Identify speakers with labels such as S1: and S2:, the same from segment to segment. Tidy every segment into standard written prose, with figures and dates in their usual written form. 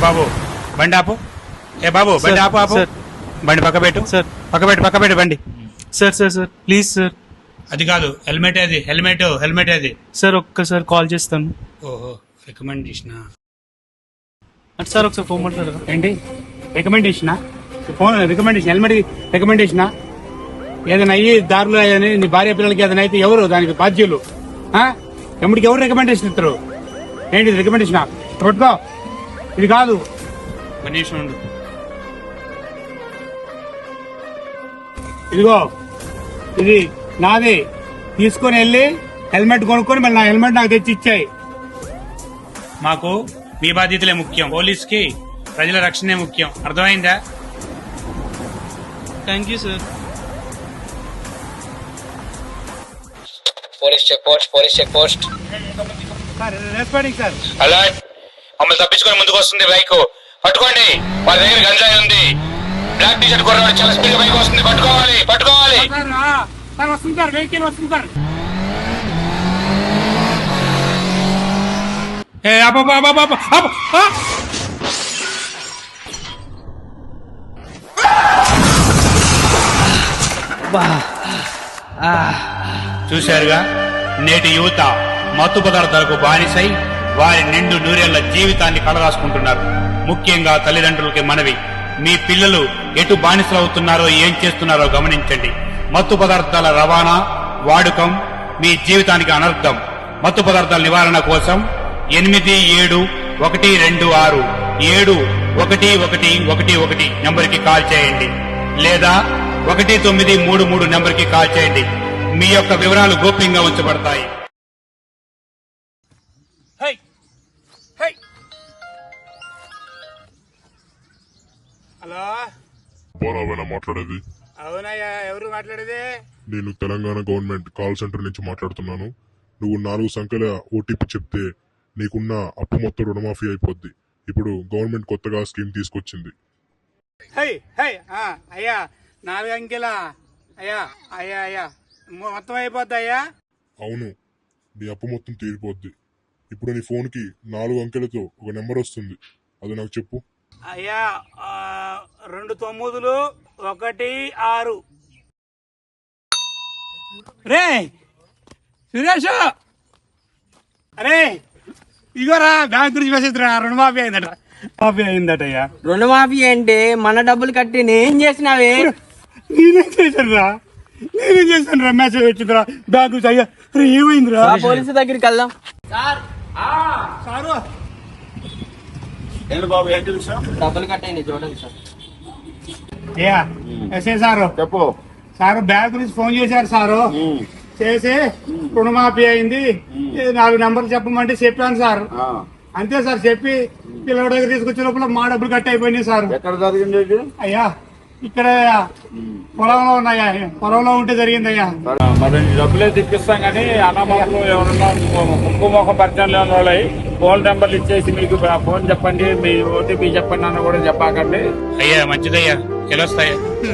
S1: బాబు బండి ఆపు. ఏ బాబు బండి ఆపు ఆపు. బండి పక్క పెట్టు సార్. పక్క పెట్టు బండి.
S2: Sir sir sir please sir.
S1: అది కాదు, హెల్మెట్ అది, హెల్మెట్ అది
S2: సార్ ఒక్కసారి కాల్ చేస్తాను.
S1: ఓహో రికమెండేషన్
S2: సార్ ఒకసారి ఫోన్ మాట్లాడరా.
S1: ఏంటి రికమెండేషనా? ఫోన్ రికమెండేషన్, హెల్మెట్ రికమెండేషనా? ఏదైనా అయ్యి దారిలో ఏదైనా నీ భార్య పిల్లలకి ఏదైనా అయితే ఎవరు దానికి బాధ్యులు? ఎమ్మడికి ఎవరు రికమెండేషన్ ఇస్తారు? ఏంటి రికమెండేషనా? పట్టుకో, ఇది కాదు. కండిషన్ ఉండు. ఇదిగో ఇది నాది, తీసుకొని వెళ్ళి హెల్మెట్ కొనుక్కొని మళ్ళీ నా హెల్మెట్ నాకు తెచ్చి ఇచ్చాయి. మాకు మీ బాధ్యతలే ముఖ్యం, పోలీస్కి ప్రజల రక్షణే ముఖ్యం. అర్థమైందా?
S2: Thank you sir.
S3: Police check post
S1: responding sir.
S3: అలా మమ్మల్ని తప్పించుకొని ముందుకు వస్తుంది బైక్, పట్టుకోండి. వాళ్ళ దగ్గర గంజాయి ఉంది. బ్లాక్ టీ షర్ట్ కొన్నాడు, చాలా స్పీడ్ బైక్ వస్తుంది, పట్టుకోవాలి.
S1: సార్ వస్తుంది సార్, వెహికల్ వస్తుంది సార్. చూశారుగా, నేటి యువత మత్తు పదార్థాలకు బానిసై వారి నిండు నూరేళ్ల జీవితాన్ని కలరాసుకుంటున్నారు. ముఖ్యంగా తల్లిదండ్రులకి మనవి, మీ పిల్లలు ఎటు బానిసలవుతున్నారో ఏం చేస్తున్నారో గమనించండి. మత్తు పదార్థాల రవాణా వాడకం మీ జీవితానికి అనర్థం. మత్తు పదార్థాల నివారణ కోసం 8726711111 నెంబర్కి కాల్ చేయండి, లేదా 1933 నెంబర్కి కాల్ చేయండి. మీ యొక్క వివరాలు గోప్యంగా ఉంచబడతాయి. హలో,
S4: బారావేనా మాట్లాడేది?
S1: అవునయ్యా, ఎవరు మాట్లాడేది?
S4: నేను తెలంగాణ గవర్నమెంట్ కాల్ సెంటర్ నుంచి మాట్లాడుతున్నాను. నువ్వు 4 సంఖ్యల ఓటీపీ చెప్తే నీకున్న అప్పు మొత్తం రుణమాఫీ అయిపోద్ది. ఇప్పుడు గవర్నమెంట్ కొత్తగా స్కీమ్ తీసుకొచ్చింది.
S1: అయ్యా 4 అంకెలా? అయ్యా మొత్తం అయిపోద్ది అయ్యా?
S4: అవును, నీ అప్పు మొత్తం తీరిపోద్ది. ఇప్పుడు నీ ఫోన్ కి 4 అంకెలతో ఒక నెంబర్ వస్తుంది, అది నాకు చెప్పు.
S1: అయ్యా 2 9 1 6. రే సురేష్, అరే ఇగోరా బ్యాంక్ గురించి మెసేజ్ రా, రుణమాఫీ అయిందటయ్యా.
S5: రుణమాఫీ అంటే మన డబ్బులు కట్టి నేను చేసినావే.
S1: నేనేం చేశాను రా, మెసేజ్ వచ్చిందిరా బ్యాంక్ గురించి. అయ్యా ఏమైందిరా?
S5: పోలీసు దగ్గరికి వెళ్దాం.
S1: సారు
S6: బాబు ఏంటి విషయం?
S5: డబ్బులు కట్టండి చూడండి సార్.
S1: ఎస్ఐ సారు
S6: చెప్పు.
S1: సారు బ్యాంక్ నుంచి ఫోన్ చేశారు సారు, చేసి రుణమాఫీ అయింది, 4 నెంబర్లు చెప్పమంటే చెప్పాను సార్. అంతే సార్, చెప్పి పిల్లల దగ్గర తీసుకొచ్చే లోపల మా డబ్బులు కట్ అయిపోయినాయి సార్.
S6: ఎక్కడ జరిగింది ఇది?
S1: అయ్యా ఇక్కడ పొలంలో ఉన్నాయా, పొలంలో ఉంటే జరిగింది అయ్యా.
S6: మరి డబ్బులే తిప్పిస్తాం కానీ అన్నమాటలు ఎవరన్నా ముక్కు మొక్క పరిచయం లేని వాళ్ళు ఫోన్ నెంబర్లు ఇచ్చేసి మీకు ఫోన్ చెప్పండి, మీ ఓటీపీ చెప్పండి అని కూడా చెప్పాకండి.
S1: అయ్యా మంచిదయ్యా, గెలుస్తాయా.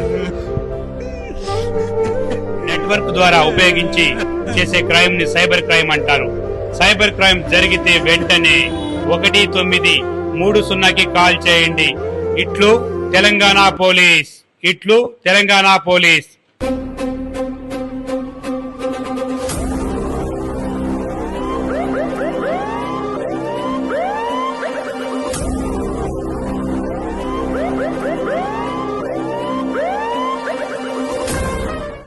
S1: నెట్వర్క్ ద్వారా ఉపయోగించి చేసే క్రైమ్ ని సైబర్ క్రైమ్ అంటారు. సైబర్ క్రైమ్ జరిగితే వెంటనే 1930కి కాల్ చేయండి. ఇట్లు తెలంగాణ పోలీస్.